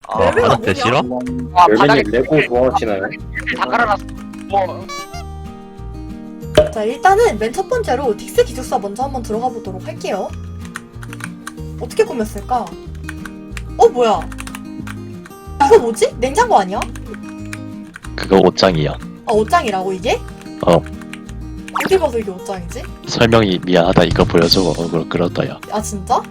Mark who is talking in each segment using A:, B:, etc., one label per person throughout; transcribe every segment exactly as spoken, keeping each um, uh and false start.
A: 아,
B: 레벨이
C: 바닥대
B: 뭐냐?
C: 싫어?
A: 아 바닥에
D: 열매님 레고 좋아하시나요?
A: 다 깔아놨어. 뭐
B: 자, 일단은 맨 첫 번째로 딕스 기숙사 먼저 한번 들어가 보도록 할게요. 어떻게 꾸몄을까? 어, 뭐야? 이거 뭐지? 냉장고 아니야?
C: 그거 옷장이야.
B: 아, 옷장이라고 이게?
C: 어.
B: 어디 봐서 이게 옷장이지?
C: 설명이 미안하다 이거 보여줘. 어, 그렇, 그렇다 야.
B: 아, 진짜?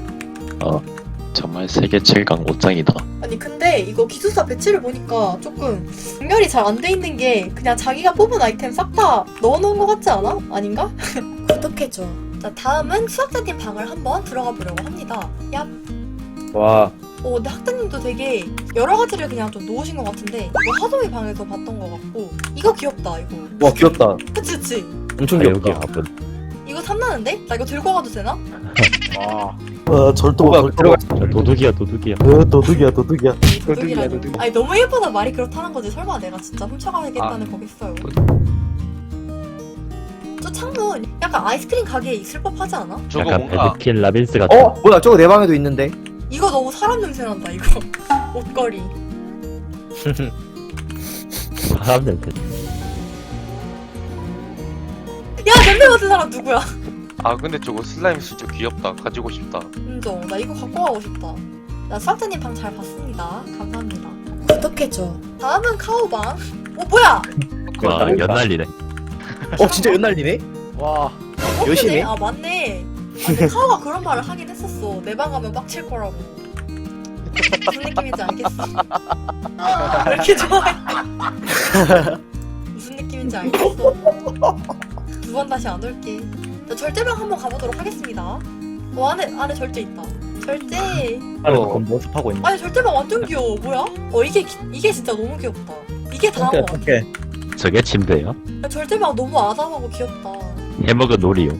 C: 정말 세계 최강 옷장이다.
B: 아니 근데 이거 기숙사 배치를 보니까 조금 분별이 잘 안 돼 있는 게 그냥 자기가 뽑은 아이템 싹 다 넣어놓은 것 같지 않아? 아닌가? 구독해줘. 자, 다음은 수학자님 방을 한번 들어가 보려고 합니다. 얍.
D: 와,
B: 어, 근데 학자님도 되게 여러 가지를 그냥 좀 놓으신 것 같은데 이거 하동이 방에서 봤던 것 같고 이거 귀엽다 이거.
D: 와 귀엽다.
B: 그치 그치?
D: 엄청
C: 아, 여기
D: 귀엽다.
C: 가본.
B: 이거 탐나는데? 나 이거 들고 가도 되나?
A: 와.
E: 어, 절도가
D: 뭐가
E: 절도가
D: 들어가.
C: 도둑이야 도둑이야.
E: 어, 도둑이야 도둑이야.
B: 도둑이라니.
A: 도둑.
B: 아니 너무 예쁘다 말이 그렇다는 거지. 설마 내가 진짜 훔쳐가야겠다는 거겠어요. 저 창문 약간 아이스크림 가게에 있을 법하지 않아?
A: 저거
C: 약간
A: 뭔가
C: 베드킨 라빈스 같은.
D: 어? 뭐야 저거 내 방에도 있는데.
B: 이거 너무 사람 냄새 난다 이거. 옷걸이.
C: 사람 냄새.
B: 야 냄새 맡은 사람 누구야?
A: 아 근데 저거 슬라임 진짜 귀엽다. 가지고 싶다.
B: 인정. 나 이거 갖고 가고 싶다. 나 수학자님 방 잘 봤습니다. 감사합니다. 구독해줘. 다음은 카오방. 어 뭐야?
C: 와 연날리네.
D: 어 진짜 연날리네.
A: 와.
D: 여시네?
B: 아 맞네. 아, 근데 카오가 그런 말을 하긴 했었어. 내 방 가면 빡칠 거라고. 무슨 느낌인지 알겠어. 왜 이렇게 좋아해? 무슨 느낌인지 알겠어. 두 번 다시 안 올게. 자, 절제방 한번 가보도록 하겠습니다. 어 안에 안에 절제 있다. 절제.
E: 아니
D: 어.
E: 그건 모습하고 있네.
B: 아니 절제방 완전 귀여워. 뭐야? 어 이게 기- 이게 진짜 너무 귀엽다. 이게 다음 거 같아.
E: 오케이.
C: 저게 침대야?
B: 야, 절제방 너무 아담하고 귀엽다.
C: 해먹은 놀이요.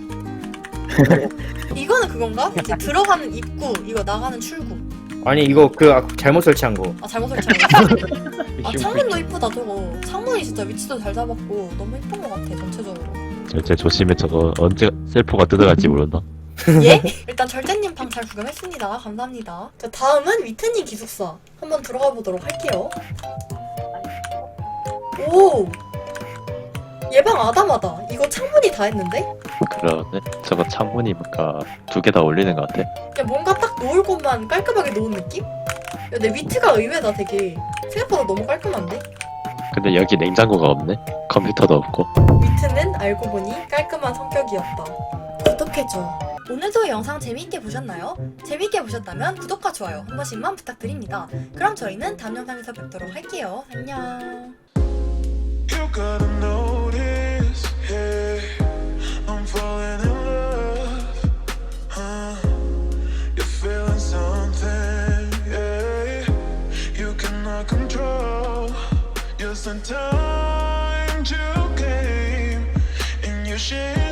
B: 이거는 그건가? 이제 들어가는 입구, 이거 나가는 출구.
D: 아니 이거 그 아, 잘못 설치한 거.
B: 아 잘못 설치한 거. 아 창문도 이쁘다 저거. 창문이 진짜 위치도 잘 잡았고 너무 이쁜 것 같아 전체적으로.
C: 절제 조심해 저거 언제 셀프가 뜯어갈지 모른다.
B: 예? 일단 절제님 방 잘 구경했습니다. 감사합니다. 자 다음은 위트님 기숙사 한번 들어가 보도록 할게요. 오. 얘방 아담하다. 이거 창문이 다 했는데?
C: 그러네. 저거 창문이 뭔가 두 개 다 올리는 것 같아.
B: 야 뭔가 딱 놓을 곳만 깔끔하게 놓은 느낌? 야 내 위트가 의외다 되게. 생각보다 너무 깔끔한데?
C: 근데 여기 냉장고가 없네. 컴퓨터도 없고.
B: 위트는 알고 보니 깔끔한 성격이었다. 구독해줘. 오늘도 영상 재미있게 보셨나요? 재미있게 보셨다면 구독과 좋아요 한 번씩만 부탁드립니다. 그럼 저희는 다음 영상에서 뵙도록 할게요. 안녕.
F: You gotta notice, hey, I'm falling in love, huh? You're feeling something, yeah. You cannot control. Just in time you came, and you share.